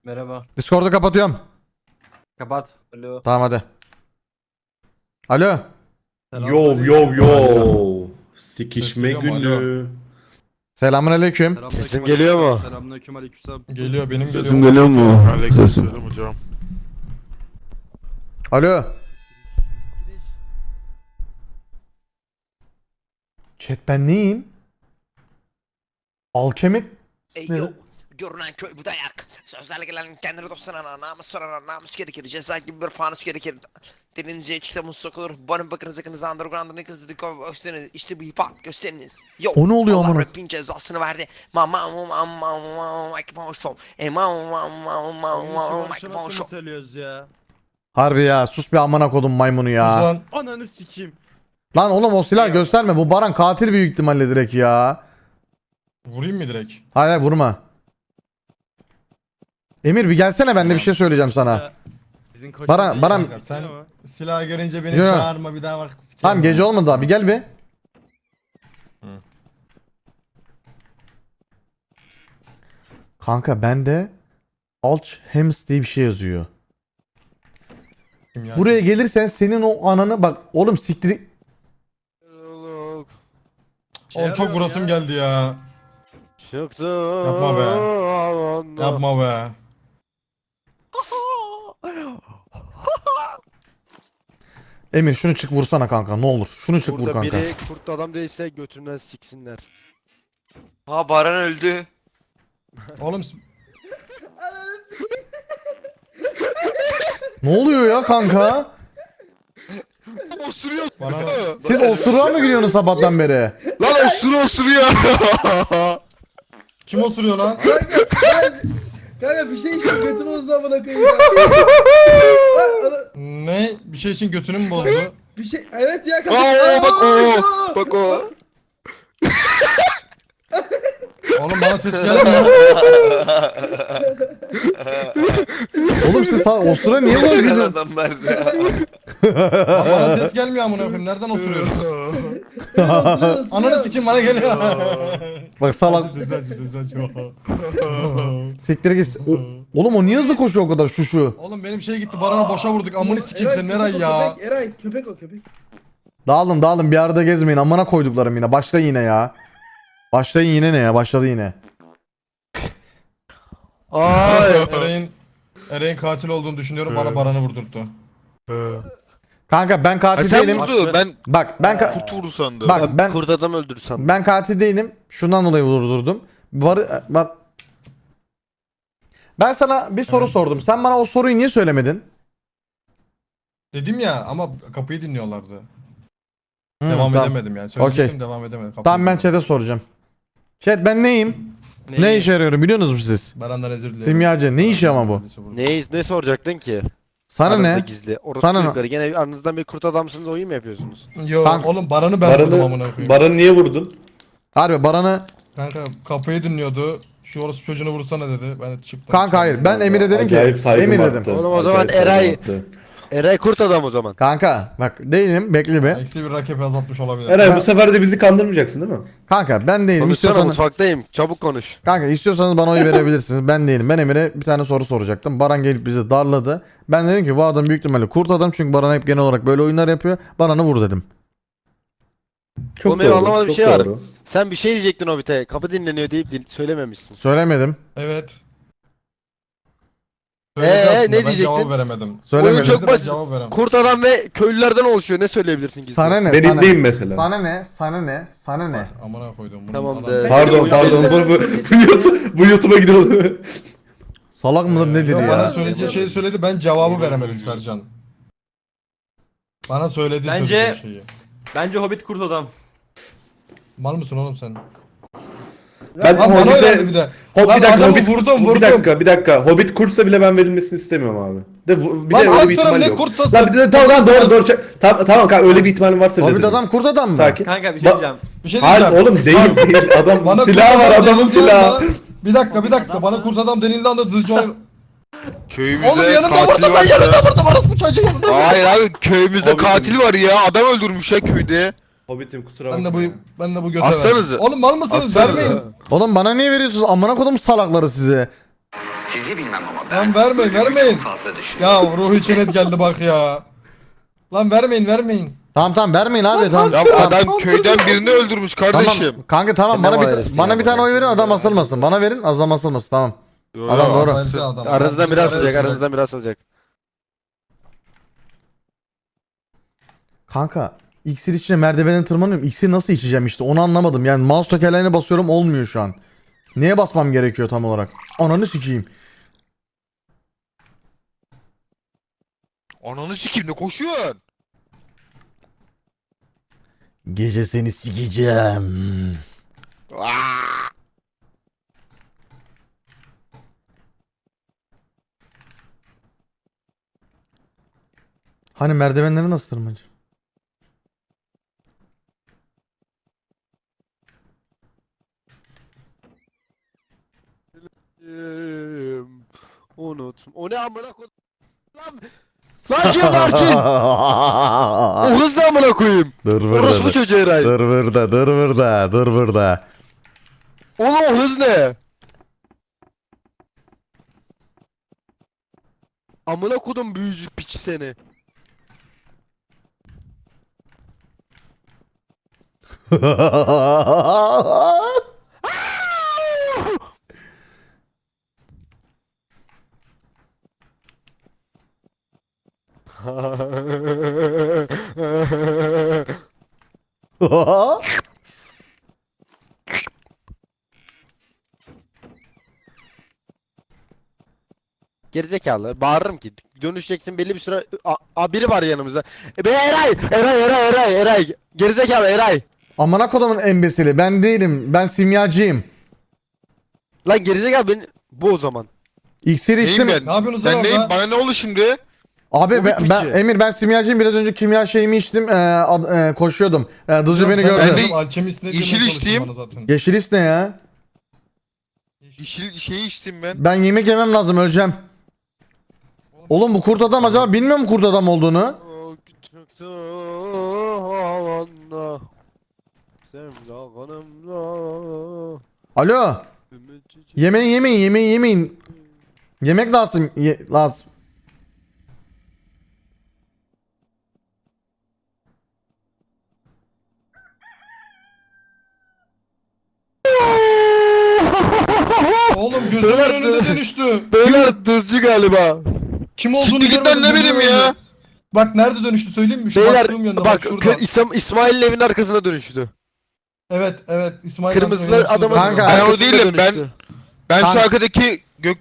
Merhaba. Discord'u kapatıyorum. Kapat. Alo. Tamam hadi. Alo. Yo yo yo. Sikişme Ses geliyor mu? günü. Selamünaleyküm. Sesim geliyor mu? Selamünaleyküm aleykümselam. Geliyor benim geliyor. Sesim geliyor mu? Aleykümselam hocam. Alo. Chat ben neyim? Alkemik. Ey yo, görünen köy bu dayak. Sözlerle gelen kendini dostlarına namus sorana namus gerekir. Ceza gibi bir fanus gerekir. Denince içte muz sokulur. Barın bakınız yakınız underground'ın yakınız dedikodu gösteriniz. İşte bu hip hop gösteriniz. Yo, O ne oluyor Allah amına? rapin cezasını verdi. Show. Teliyoruz ya. Harbi ya sus bir amına kodum maymunu ya. Lan Ananı sikeyim. Lan oğlum o silah gösterme. Bu Baran katil büyük ihtimalle direkt ya. vurayım mı direkt? Hayır hayır, vurma. Emir bir gelsene, ben de bir şey söyleyeceğim sana. Sizin koçunuz Baran- iyi Baran- çıkarttın Sen ama. silah görünce beni Yo. çağırma bir daha bak. Tamam gece olmadı daha, bir gel bir. Kanka bende Alchhems diye bir şey yazıyor. Kim ya? Buraya gelirsen senin o ananı bak oğlum siktir. Oğlum çok vurasım geldi ya. Çıktı. Yapma be. Yapma be. Emir şunu çık vursana kanka ne olur. Şunu çık vur Burada kanka. biri kurt adam değilse götünden siksinler. Ha Baran öldü. Oğlum Ne oluyor ya kanka? Osuruyor. bana Siz osuruğa mı giriyorsunuz sabahtan beri? Lan osuruyor. kim osuruyor lan? Kanka bir şey için götünü uzun amına koyayım ya. Lan, Ne? Bir şey için götünü mü bozdu? bir şey evet ya kanka. Aa, bak o. Aa, Bak o. Oğlum bana ses gelmiyor. Oğlum siz osura niye böyle Osuran gidiyorsunuz? adam verdi. Lan bana ses gelmiyor amına koyayım. Nereden osuruyorsun? osuruyor. Ananı sikeyim bana geliyor. Bak salak Ses aç. siktir git. Oğlum o niye hızlı koşuyor o kadar şu? Oğlum benim şey gitti. Baran'a boşa vurduk. Amını sikeyim sen Eray ya. Eray köpek o köpek. Dağılın bir arada gezmeyin, amına koyduklarım yine. Başlayın yine ya. Başlayın yine ne ya, başladı yine. Ay. Eray'in katil olduğunu düşünüyorum. Bana Baran'ı vurdurttu. Kanka ben katil Sen değilim. vurdu. Ben Bak ben kurt vurdu sandım. bak ben Kurt adam öldürdü sandım. ben katil değilim. Şundan dolayı vurdurdum. Ben sana bir soru sordum. Sen bana o soruyu niye söylemedin? Dedim ya ama kapıyı dinliyorlardı. Tamam. Edemedim yani. Söyleyecektim Okey. devam edemedim. Kapıyı Tamam ben dinliyorlardı. chat'e soracağım. Chat ben neyim? Ne işe yarıyorum biliyor musunuz siz? Baran'dan özür dilerim. Simyacı. Ne işi ama bu? Ne soracaktın ki? Sana Aranızda ne? Gizli. Orası Sana ne? çocukları. Gene aranızdan bir kurt adamsınız oyun mu yapıyorsunuz? Yo Kanka- oğlum Baran'ı ben vurdum amına koyayım. Baran'ı niye vurdun? Harbi Baran'ı... Kanka kapıyı dinliyordu. Şu orası çocuğunu vursana dedi. Ben de çıktım. Kanka hayır ben Emir'e dedim Acayip ki... saygım Emir arttı. dedim. Oğlum o zaman Acayip saygım Eray- arttı. Eray kurt adam o zaman. Kanka bak değilim bekle be. Eksi bir rakip azaltmış olabilir. Eray bu sefer de bizi kandırmayacaksın değil mi? Kanka ben değilim. Konuşsana İstiyorsanız... mutfaktayım. Çabuk konuş. Kanka istiyorsanız bana oy verebilirsiniz. Ben değilim. Ben Emir'e bir tane soru soracaktım. Baran gelip bizi darladı. Ben dedim ki bu adam büyük ihtimalle kurt adam çünkü Baran hep genel olarak böyle oyunlar yapıyor. Baran'ı vur dedim. Çok Oğlum benim doğru. anlamadığım bir çok şey var. doğru. Sen bir şey diyecektin Hobbit'e. Kapı dinleniyor deyip söylememişsin. Söylemedim. Evet. Söyledi aslında, ne ben diyecektin? cevap veremedim. Söylemedim. Oyun çok Söyledi, ben basit. cevap veremedim. Kurt adam ve köylülerden oluşuyor. Ne söyleyebilirsin gizli? Sana ne? Ben sana, iddiayım mesela. sana ne? Sana ne? Sana ne? Amına koydum bunu. Tamam adam- de. Pardon bu YouTube'a gidiyor. Salak mıdır nedir Yok, ya? Bana söyleyeceği şeyi söyledi ben cevabı veremedim Sercan. Bana söyledi Bence- söyleyeceği şeyi. Bence Hobbit kurt adam. Mal mısın oğlum sen? Ben Lan bana Hobbit'e... öyle bir de. Bir Lan dakika adamı Hobbit... vurdum. Bir dakika. Hobbit kursa bile ben verilmesini istemiyorum abi. Bir Lan de öyle bir Alperen ihtimal ne yok. kurtsası? Lan bir de tamam doğru. Tamam kanka öyle bir ihtimalin varsa Hobbit dedim. adam kurt adam mı? Sakin. Kanka bir şey diyeceğim. Bir şey Hayır diyeceğim. oğlum değil. Adam Bana silahı kurt var adam adamın denildi silahı. anda- Bir dakika. Bana kurt adam denildi anda Dızcı Köyümüzde Oğlum yanımda katil vurdum ben var. yanımda vurdum orası bu çocuğu yanımda vurdum. Hayır abi köyümüzde Hobbit'im. katil var ya. Adam öldürmüş ya köyde. Hobbit'im kusura Ben bakma. de bu göte Aslanızı. verdim. Oğlum mal mısınız? Aslanızı. Vermeyin. Oğlum bana niye veriyorsunuz? Amına kodum salakları size. Sizi bilmem ama ben Lan vermeyin, ölümü vermeyin. çok fazla düşünüyorum. Ya Ruhi Çenet geldi bak ya. Lan vermeyin. Tamam vermeyin abi tamam. Ya Tamam. adam köyden birini öldürmüş kardeşim. Tamam kanka tamam Sen ne bana bağırıyorsun bana ya bir tane bana? oy verin adam asılmasın. Bana verin adam asılmasın tamam. Yo, Adam yo, doğru. Harika adam. Aranızdan biri asılacak, Arasında. aranızdan biri asılacak. Kanka iksir içine merdivenden tırmanıyorum. İksir nasıl içeceğim işte onu anlamadım. Yani mouse tekerleğine basıyorum olmuyor şu an. Neye basmam gerekiyor tam olarak? Ananı sikeyim. Ananı sikeyim ne koşuyorsun? Gece seni sikeceğim. Aa! Hani merdivenleri nasıl tırmanacağım? Unutma. O ne amına koyayım? Lan kim var kim? O hız ne amına koyayım? Dur Orospu burada. çocuğu Eray. Dur burada. Oğlum o hız ne? Amına kodum büyücü piçi seni. Gerizekalı. Bağırırım ki. Dönüşeceksin belli bir süre. Biri var yanımızda. Be Eray. Gerizekalı Eray. Amına kodumun embesili ben değilim. Ben simyacıyım. Lan gerizekalı beni bu o zaman. İksir Neyim içtim. ben? Ne yapıyorsunuz Ben lan neyim? orada? Bana ne oldu şimdi? Abi Bu ben, bir ben piçi. Emir ben simyacıyım biraz önce kimya şeyimi içtim koşuyordum. Dızcı beni Ben gördü. de- Alchemist ne diyor, yeşil ben konuştum içtiğim- bana zaten. Yeşil is ne ya? Yeşil şey içtim ben. Ben yemek yemem lazım öleceğim. Oğlum bu kurt adam acaba bilmiyor mu kurt adam olduğunu? O küçük havanda Sevda kanımda Alo. Yemeyin. Yemek lazım. Lazım. Oğlum gözümün Beyler, önünde dönüştü. Beyler dızcı galiba. Kim olduğunu Siktir git lan, görmedim. ne gözümün bileyim ya. önünde. Bak nerede dönüştü söyleyeyim mi? Şu Beyler baktığım yönde bak şurada. İsmail'in evinin arkasına dönüştü. Evet İsmail Kırmızılı amcanın adamın yanına Kanka, Ben o arkasına değilim, ben- dönüştü. Ben Kanka- şu arkadaki gök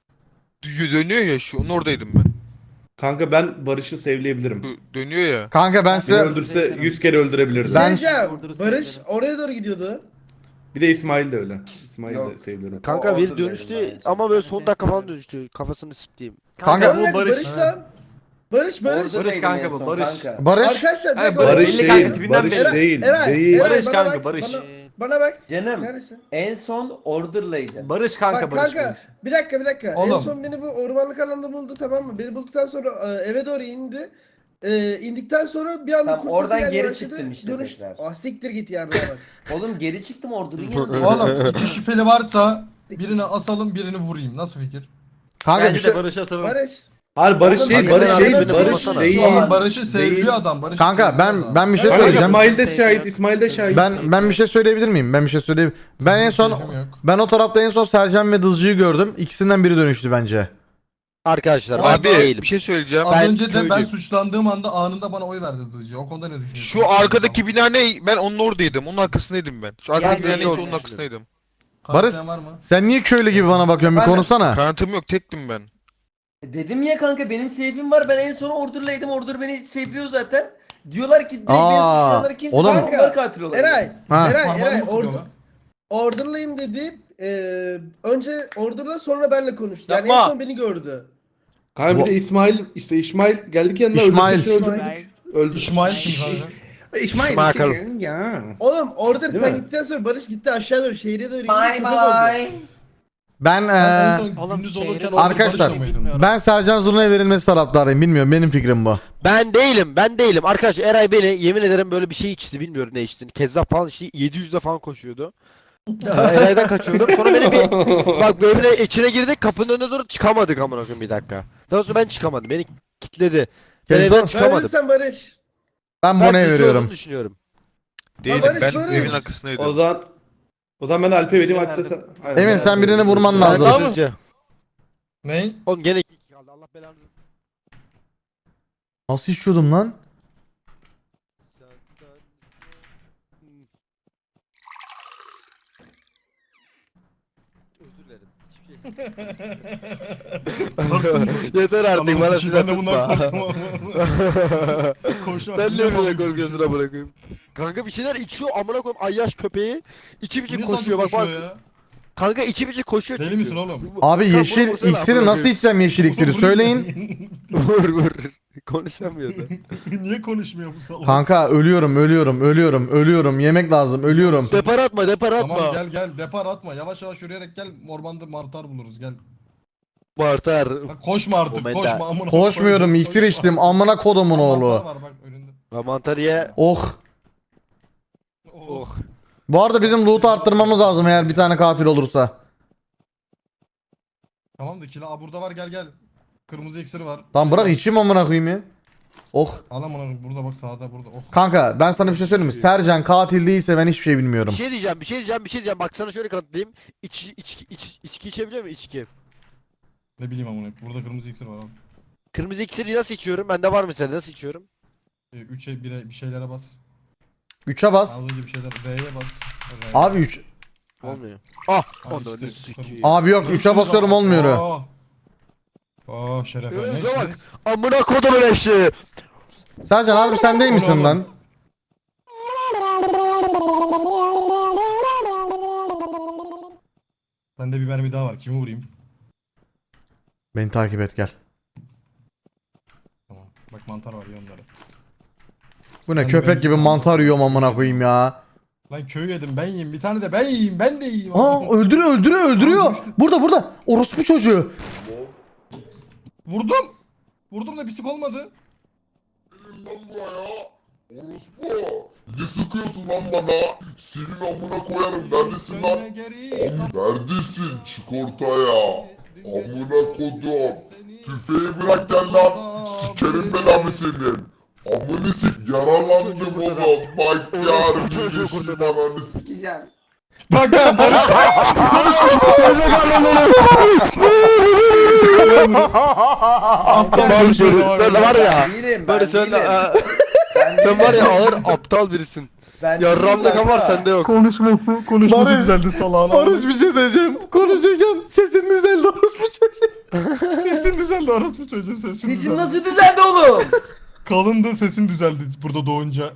dönüyor ya şu onun oradaydım ben. Kanka ben Barış'ı sevleyebilirim. Dönüyor ya. Kanka ben Beni size öldürse 100 kere öldürebilirdi. Ben- Barış oraya doğru gidiyordu. Bir de İsmail de öyle. İsmail de Yok. seviyorum. Kanka O bir orada dönüştü dedim ben. ama böyle Ben son seni dakika falan severim. dönüştü. Kafasını sikleyeyim. Kanka Barış, Evet. lan. Barış. Oradaydım kanka en bu, son Barış. kanka. Barış. Arkadaşlar bir Hayır, dakika. Barış belli değil. kanka, tipinden Barış belli. değil. Eray, Değil. Barış bana kanka, bak, Barış. Bana bak. Canım Neredesin? en son Order'laydı. Barış kanka Bak Barış. kanka bir dakika. En Oğlum. son beni bu ormanlık alanda buldu tamam mı? Beni bulduktan sonra eve doğru indi. İndikten sonra bir anda Tamam, kurt oradan sesi gelmeye geri başladı. çıktın işte Dönüş... tekrar. Ah siktir git ya bana bak. Oğlum geri çıktım Order'ın yanındayım. Oğlum iki şüpheli varsa birini asalım birini vurayım. Nasıl fikir? Kanka bir Bence şey de Barış'a sarılın. Barış. Hayır Barış Oğlum, değil, bak, Barış beni değil, arada Barış sormasana. değil. Oğlum Barış'ı Değil. seviliyor adam. Barış'ı Kanka seviliyor adam. ben bir şey Kanka söyleyeceğim. İsmail de şahit, İsmail de şahit. Ben bir şey söyleyebilir miyim? Ben en son Keyfim yok. ben o tarafta en son Sercan ve Dızcı'yı gördüm. İkisinden biri dönüştü bence. Arkadaşlar ben Abi değilim. bir şey söyleyeceğim. Az Ben önce de ben köylüyüm. suçlandığım anda anında bana oy verdi Dızcı. O konuda ne düşünüyorsun? Şu arkadaki bina ne? Ben onun oradaydım. Onun arkasındaydım ben. Şu arkadaki bina ben de neyse onu onun arkasındaydım. Barış- Kanıtlayan var mı? Sen niye köylü gibi bana bakıyorsun bir Efendim? konuşsana. Kanıtım yok, tektim ben. Dedim ya kanka benim safe'im var. Ben en son Order'laydım. Order beni safe'liyor zaten. Diyorlar ki direkt beni Aa, suçlayanları kimse oğlum- onlar katil olabilir. Eray. Ha. Eray. Parmağını mı kırıyorlar? Order'layım dedi. Önce Order'la sonra benle konuştu. Yani Yapma. en son beni gördü. Kanka bir de İsmail geldik yanına İsmail. öldürsek öldürdük. Öldü. İsmail kim kanka? İsmail. bakalım. Ya. Oğlum Order Değil sen mi? gittikten sonra Barış gitti aşağı doğru şehre doğru indi. Bye köpek oldu. bye. Ben Ben en son Oğlum, gündüz şehri olurken doğru Arkadaşlar, Barış'la mıydın? ben Sercan Zurna'ya verilmesi taraftarıyım. Bilmiyorum benim fikrim bu. Ben değilim. Arkadaşlar Eray beni yemin ederim böyle bir şey içti bilmiyorum ne içtiğini. Kezzap falan içti. 700'de falan koşuyordu. Eray'dan kaçıyordum. Sonra beni bir bak böyle içine girdik, kapının önüne doğru çıkamadık amına koyayım bir dakika. Daha sonra ben çıkamadım. Beni kilitledi. Ben Kezban, evden Ben çıkamadım. verirsen Barış. ben Ben Bona'ya cici veriyorum. olduğunu düşünüyorum. Değilim Barış, ben Barış. evin arkasındaydım. O zaman ben Alp'e vereyim, Alp de sen. Aynen. Emin sen birini vurman Ben lazım. Tamam mı? Düzce. Ney? Oğlum gene 2 kaldı. Allah belanı. Nasıl içiyordum lan? Özür dilerim. Hiçbir şey. Yeter artık Ananı bana sikeyim, silah ben de bundan tutma. korktum ama. Koşmak Sen bile niye böyle korkunç. korkuyorsun amına koyayım? Kanka bir şeyler içiyor amına koyayım, ayyaş köpeği. İçi biçi Niye koşuyor sadece bak bak. koşuyor ya? Kanka içi biçi koşuyor Deli çünkü. misin oğlum? Abi Kanka yeşil bunu vursana iksiri amına nasıl koyayım. içeceğim yeşil iksiri söyleyin. Vur vur. Konuşamıyordu. Niye konuşmuyor bu salak? Kanka ölüyorum. Yemek lazım ölüyorum. Depar atma depar atma. Tamam gel depar atma. Yavaş yavaş yürüyerek gel. Ormanda mantar buluruz gel. Martar. Bak koşma artık Momenta. koşma amına. Koşmuyorum koyayım, iksir koşma. içtim amına kodumun Mantar oğlu. var bak önünde. Ha, mantar ye. Oh. Oh. Bu arada bizim loot'u arttırmamız lazım eğer bir tane katil olursa. Tamam da kila burada var gel. Kırmızı iksir var. Tamam bırak içeyim amına koyayım ya. Oh. Al amına burada bak sağda burada. Oh. Kanka ben sana bir şey söyleyeyim mi? Sercan katil değilse ben hiçbir şey bilmiyorum. Bir şey diyeceğim. Bak sana şöyle kanıtlayayım. İçki içebiliyor mu içki? Ne bileyim amına. Burada kırmızı iksir var abi. Kırmızı iksiri nasıl içiyorum? Bende var mı sende? Nasıl içiyorum? 3'e 1'e bir şeylere bas. 3'e bas. Az önce bir şeyler R'ye bas. R'ye. Abi 3. Olmuyor. Ah! Abi Onu işte, ne sikiyim. Abi yok 3'e basıyorum olmuyor. Şerefe. Önce Ne bak. Amına kodumun eşeği. Sercan abi sen değil misin Oğlum. lan? Bende bir mermi daha var. Kimi vurayım? Beni takip et gel. Tamam. Bak mantar var ya onları. Bu ne Ben köpek de- gibi mantar yiyorum amına koyayım ya. Lan köyü yedim ben yiyeyim. Bir tane de ben yiyeyim. Ben de yiyeyim. Aa öldürüyor. Burada. Orospu çocuğu. Vurdum da pislik olmadı. Ne sıkıyorsun lan bana? Senin amına koyarım. Neredesin lan? Dönme geri. Neredesin? Çık ortaya. Amına kodum. Tüfeği bırak gel lan. Sikerim belamı senin. Amını sik yararlandım Çocuğu oğlum. kurtaralım. Bak Orospu yarın çocuğu yeşil kurtaralım. ananı sik. Sikeceğim. Bak ya Barış. Aptal Barış, bir şey var sen ya. var ya. Değilim ben Barış sen, değilim. Ben sen var ya değilim. ağır aptal birisin. Ben Yarramda değilim var kanka. sende yok. Konuşması Barış- düzeldi salağına. Barış bir şey söyleyeceğim. Konuşurken sesin düzeldi orospu çocuğu. Sesin düzeldi orospu çocuğu sesin Sesin düzeldi. nasıl düzeldi oğlum? Kalındı sesin düzeldi burada doğunca.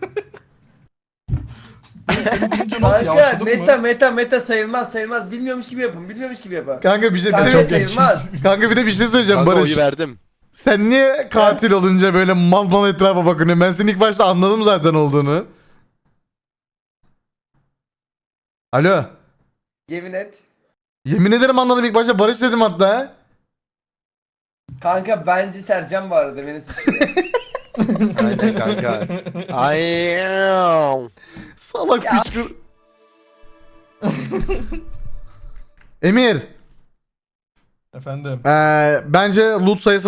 Seni duyunca nasıl Kanka yavşadın mı? meta sayılmaz. Bilmiyormuş gibi yapın. Kanka bir Kanka de sayılmaz. kanka bir de bir şey söyleyeceğim Kanka Barış. oyu verdim. Sen niye katil olunca böyle mal etrafa bakıyorsun? Ben seni ilk başta anladım zaten olduğunu. Alo. Yemin et. Yemin ederim anladım ilk başta Barış dedim hatta. Kanka bence Sercan bu arada beni suçluyor. Aynen kanka. Ayy. Salak Ya. piçkur. Emir. Efendim. Bence loot sayısı